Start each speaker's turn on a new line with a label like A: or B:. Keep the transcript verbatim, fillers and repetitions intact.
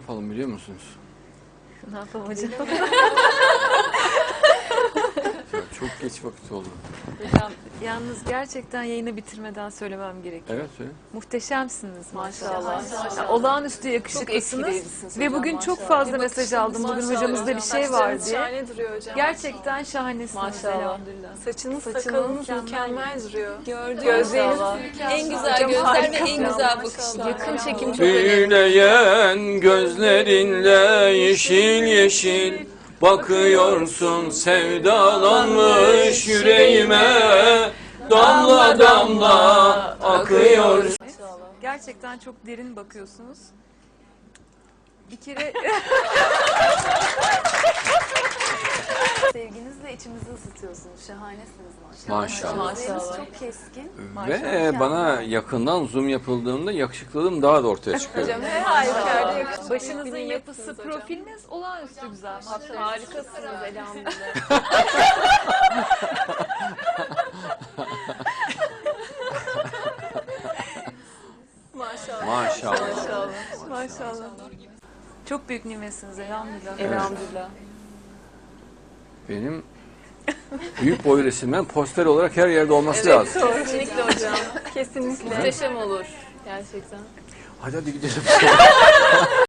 A: yapalım biliyor musunuz?
B: Ne yapalım hocam?
A: Ya çok geç vakit oldu.
B: Hocam yalnız gerçekten yayını bitirmeden söylemem gerekiyor.
A: Evet söyle.
B: Muhteşemsiniz maşallah.
C: Maşallah.
B: Yani olağanüstü
C: Çok
B: yakışıklısınız.
C: etkileyicisiniz
B: Ve
C: hocam,
B: bugün çok
C: maşallah.
B: fazla
C: Bir
B: mesaj
C: bakışınız
B: aldım. Bugün
C: maşallah
B: hocamızda
C: hocam.
B: bir şey var
C: Saçlarınız
B: diye.
C: şahane duruyor hocam.
B: Gerçekten şahanesiniz
C: Maşallah.
B: elhamdülillah.
C: Saçınız,
B: Saçınız
C: sakalınız
B: mükemmel.
C: mükemmel duruyor.
D: Gördüm.
C: Gözleriniz
D: Maşallah.
C: mükemmel.
D: En güzel
C: Hocam
D: gözler ve
C: harikasınız.
D: en güzel
C: Maşallah.
D: bakışlar.
C: Yakın çekim çok önemli.
A: Büyüleyen gözlerinle yeşil yeşil bakıyorsun, sevdalanmış yüreğime damla damla akıyor.
B: Gerçekten çok derin bakıyorsunuz. Bir kere
D: Sevginizle içimizi ısıtıyorsunuz. Şahanesiniz maşallah.
A: Maşallah.
D: Gözleriniz çok keskin.
A: Ve bana yakından zoom yapıldığında yakışıklılığım daha da ortaya çıkıyor.
C: Hocam her halükarda yakışıklı.
B: başınızın
C: bir
B: yapısı,
C: niyetsiniz hocam.
B: profiliniz olağanüstü güzel.
C: Harikasınız elhamdülillah. Maşallah.
A: Maşallah.
B: Maşallah. Çok büyük nimetsiniz elhamdülillah.
C: Elhamdülillah.
A: Benim büyük boy resimden poster olarak her yerde olması lazım.
C: Kesinlikle hocam. Kesinlikle.
D: Muhteşem olur. Gerçekten.
A: Hadi hadi gidelim.